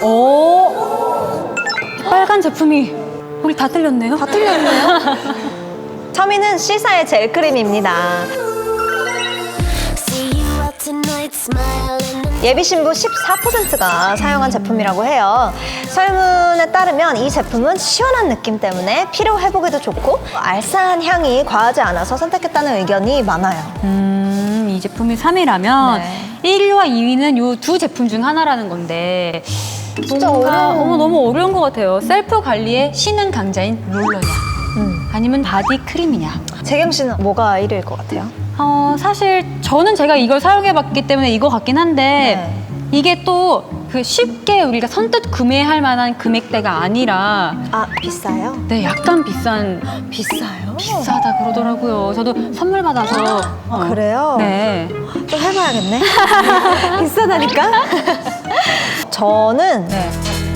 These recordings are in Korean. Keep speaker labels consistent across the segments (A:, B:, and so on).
A: 오, 빨간 제품이 우리 다 틀렸네요.
B: 다 틀렸네요. 첨이는 C사의 젤크림입니다. 예비 신부 14%가 사용한 제품이라고 해요. 설문에 따르면 이 제품은 시원한 느낌 때문에 피로 회복에도 좋고 알싸한 향이 과하지 않아서 선택했다는 의견이 많아요.
A: 이 제품이 3위라면
B: 네.
A: 1위와 2위는 이 두 제품 중 하나라는 건데
B: 진짜
A: 뭔가,
B: 어려워.
A: 너무 어려운 것 같아요. 셀프 관리의 신흥 강자인 롤러냐 아니면 바디 크림이냐.
B: 재경 씨는 뭐가 1위일 것 같아요?
A: 사실 저는 제가 이걸 사용해봤기 때문에 이거 같긴 한데
B: 네.
A: 이게 또 그 쉽게 우리가 선뜻 구매할 만한 금액대가 아니라
B: 아, 비싸요?
A: 네, 약간 비싸요? 비싸다 그러더라고요. 저도 선물 받아서
B: 그래요?
A: 네.
B: 좀 해봐야겠네. 비싸다니까? 저는
A: 네.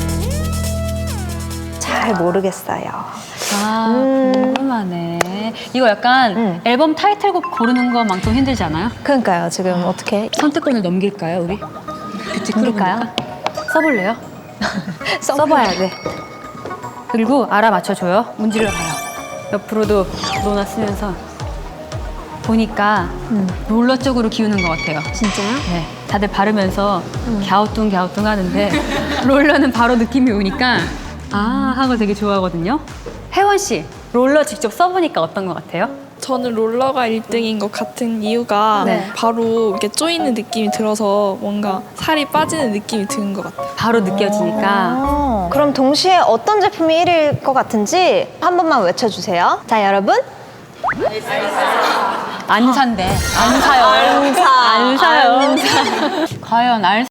B: 잘 모르겠어요.
A: 궁금하네. 이거 약간 앨범 타이틀곡 고르는 것만큼 힘들지 않아요?
B: 그러니까요. 지금 어떻게?
A: 선택권을 넘길까요, 우리? 그치, 그럴까요? 써볼래요? 써봐야 돼. 그리고 알아맞혀줘요. 문질러 봐요. 옆으로도 놓아쓰면서 보니까 롤러 쪽으로 기우는 것 같아요.
B: 진짜요?
A: 네, 다들 바르면서 갸우뚱 하는데 롤러는 바로 느낌이 오니까 아 하고 되게 좋아하거든요. 혜원 씨, 롤러 직접 써보니까 어떤 것 같아요?
C: 저는 롤러가 1등인 것 같은 이유가
A: 네.
C: 바로 이렇게 조이는 느낌이 들어서 뭔가 살이 빠지는 느낌이 드는 것 같아요.
A: 바로 느껴지니까.
B: 그럼 동시에 어떤 제품이 1위일 것 같은지 한 번만 외쳐주세요. 자, 여러분.
A: 안 산대. 안 사요.
B: 안 사.
A: 안 사요. 과연